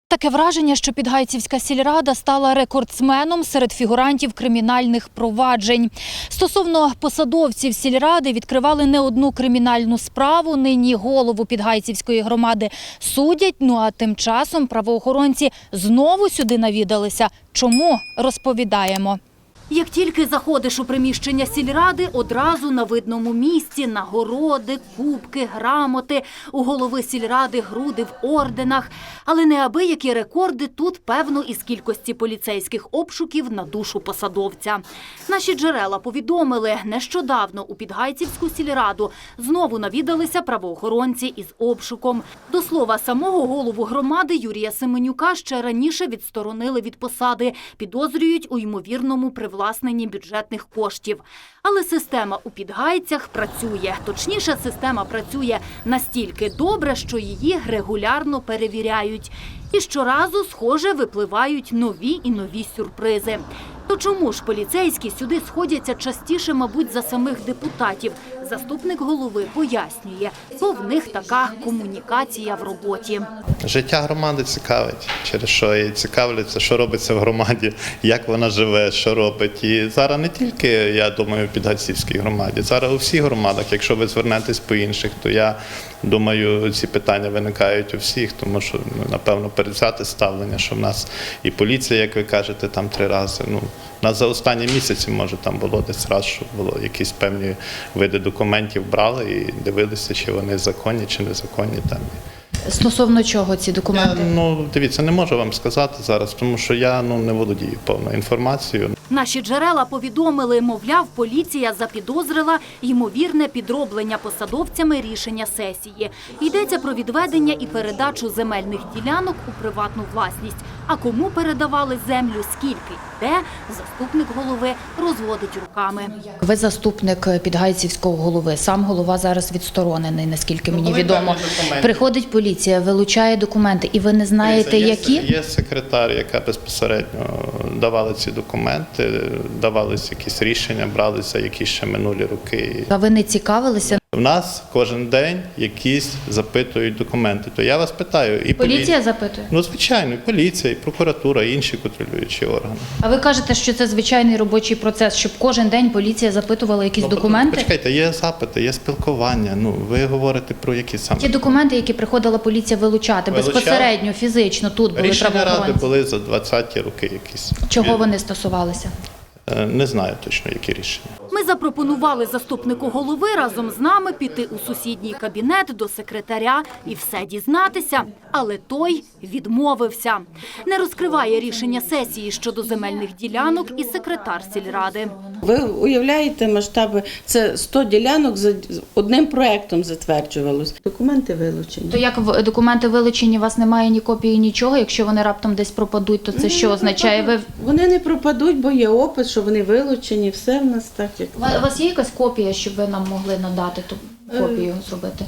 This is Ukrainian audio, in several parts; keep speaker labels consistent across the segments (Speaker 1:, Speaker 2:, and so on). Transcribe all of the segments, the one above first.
Speaker 1: Таке враження, що Підгайцівська сільрада стала рекордсменом серед фігурантів кримінальних проваджень. Стосовно посадовців сільради відкривали не одну кримінальну справу. Нині голову Підгайцівської громади судять, а тим часом правоохоронці знову сюди навідалися. Чому? Розповідаємо. Як тільки заходиш у приміщення сільради, одразу на видному місці нагороди, кубки, грамоти, у голови сільради груди в орденах. Але неабиякі рекорди тут, певно, із кількості поліцейських обшуків на душу посадовця. Наші джерела повідомили, нещодавно у Підгайцівську сільраду знову навідалися правоохоронці із обшуком. До слова, самого голову громади Юрія Семенюка ще раніше відсторонили від посади, підозрюють у ймовірному привласненні бюджетних коштів. Але система у Підгайцях працює. Точніше, система працює настільки добре, що її регулярно перевіряють. І щоразу, схоже, випливають нові і нові сюрпризи. То чому ж поліцейські сюди сходяться частіше, мабуть, за самих депутатів? Заступник голови пояснює, бо в них така комунікація в роботі.
Speaker 2: Життя громади цікавить, через що і цікавляться, що робиться в громаді, як вона живе, що робить. І зараз не тільки, я думаю, в Підгайцівській громаді, зараз у всіх громадах. Якщо ви звернетесь по інших, то я думаю, ці питання виникають у всіх, тому що, напевно, перевзяте ставлення, що в нас і поліція, як ви кажете, там 3 рази. У нас за останні місяці, може, там було десь раз, що було якісь певні види документів брали і дивилися, чи вони законні, чи незаконні там.
Speaker 1: Стосовно чого ці документи?
Speaker 2: Дивіться, не можу вам сказати зараз, тому що я не володію повною інформацією.
Speaker 1: Наші джерела повідомили, мовляв, поліція запідозрила ймовірне підроблення посадовцями рішення сесії. Йдеться про відведення і передачу земельних ділянок у приватну власність. А кому передавали землю, скільки і де, заступник голови розводить руками. Ви заступник Підгайцівського голови, сам голова зараз відсторонений, наскільки мені відомо. Приходить поліція, вилучає документи, і ви не знаєте, які?
Speaker 2: Є секретар, яка безпосередньо давала ці документи, давалися якісь рішення, бралися якісь ще минулі роки.
Speaker 1: А ви не цікавилися?
Speaker 2: В нас кожен день якісь запитують документи. То я вас питаю. І
Speaker 1: поліція запитує?
Speaker 2: Звичайно, і поліція, і прокуратура, і інші контролюючі органи.
Speaker 1: А ви кажете, що це звичайний робочий процес, щоб кожен день поліція запитувала якісь документи?
Speaker 2: Почекайте, є запити, є спілкування. Ви говорите про які саме?
Speaker 1: Ті документи, які приходила поліція вилучати, безпосередньо, фізично, тут були правоохоронці.
Speaker 2: Рішення ради були за 20-ті роки якісь.
Speaker 1: Чого вони стосувалися?
Speaker 2: Не знаю точно, які рішення.
Speaker 1: Ми запропонували заступнику голови разом з нами піти у сусідній кабінет до секретаря і все дізнатися, але той відмовився. Не розкриває рішення сесії щодо земельних ділянок і секретар сільради.
Speaker 3: Ви уявляєте масштаби? Це 100 ділянок за одним проектом затверджувалось. Документи вилучені.
Speaker 1: То як документи вилучені, у вас немає ні копії, нічого? Якщо вони раптом десь пропадуть, то це що означає?
Speaker 3: Вони не пропадуть, бо є опис, що вони вилучені, все в нас так, як...
Speaker 1: У вас є якась копія, щоб ви нам могли надати ту копію зробити?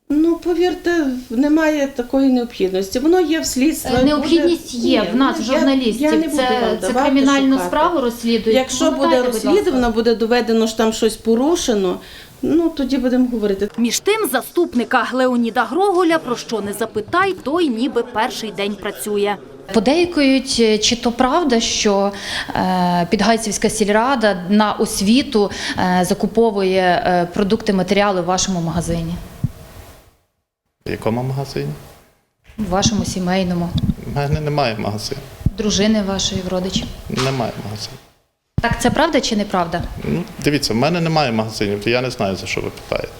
Speaker 3: Повірте, немає такої необхідності. Воно є в слідстві.
Speaker 1: Необхідність є в нас, в журналістів. Це кримінальну справу розслідують?
Speaker 3: Якщо буде розслідувано, буде доведено, що там щось порушено, тоді будемо говорити.
Speaker 1: Між тим, заступника Леоніда Гроголя, про що не запитай, той ніби перший день працює. Подейкують, чи то правда, що Підгайцівська сільрада на освіту закуповує продукти, матеріали в вашому магазині?
Speaker 2: В якому магазині?
Speaker 1: В вашому сімейному.
Speaker 2: У мене немає магазину.
Speaker 1: Дружини вашої, родичів?
Speaker 2: Немає магазину.
Speaker 1: Так це правда чи неправда?
Speaker 2: Дивіться, в мене немає магазинів, то я не знаю, за що ви питаєте.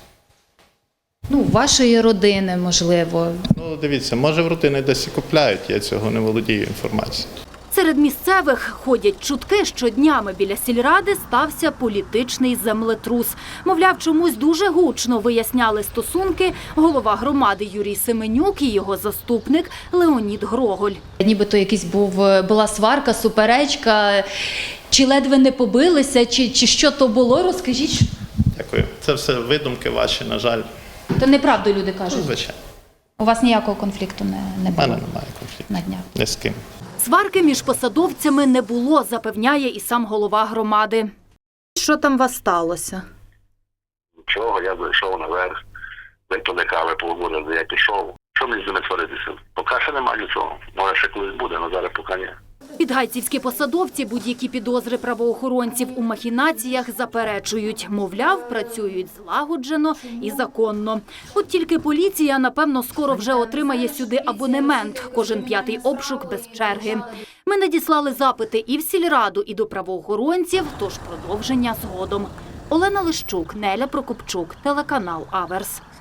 Speaker 1: Вашої родини, можливо.
Speaker 2: Дивіться, може в родини десь і купляють, я цього не володію інформацією.
Speaker 1: Серед місцевих ходять чутки, що днями біля сільради стався політичний землетрус. Мовляв, чомусь дуже гучно виясняли стосунки голова громади Юрій Семенюк і його заступник Леонід Гроголь. Нібито була сварка, суперечка, чи ледве не побилися, чи що то було, розкажіть.
Speaker 2: Дякую. Це все видумки ваші, на жаль.
Speaker 1: То неправду люди кажуть?
Speaker 2: Звичайно.
Speaker 1: У вас ніякого конфлікту не було?
Speaker 2: У мене немає конфлікту.
Speaker 1: На днях?
Speaker 2: Ні з ким.
Speaker 1: Сварки між посадовцями не було, запевняє і сам голова громади. Що там у вас сталося?
Speaker 4: Нічого, я зайшов наверх, випили кави, поговорили, я пішов. що мені з ними творитися? Поки ще немає нічого. Може, ще колись буде, але зараз поки ні.
Speaker 1: Підгайцівські посадовці будь-які підозри правоохоронців у махінаціях заперечують. Мовляв, працюють злагоджено і законно. От тільки поліція, напевно, скоро вже отримає сюди абонемент. Кожен 5-й обшук без черги. Ми надіслали запити і в сільраду, і до правоохоронців, тож продовження згодом. Олена Лищук, Неля Прокопчук, телеканал Аверс.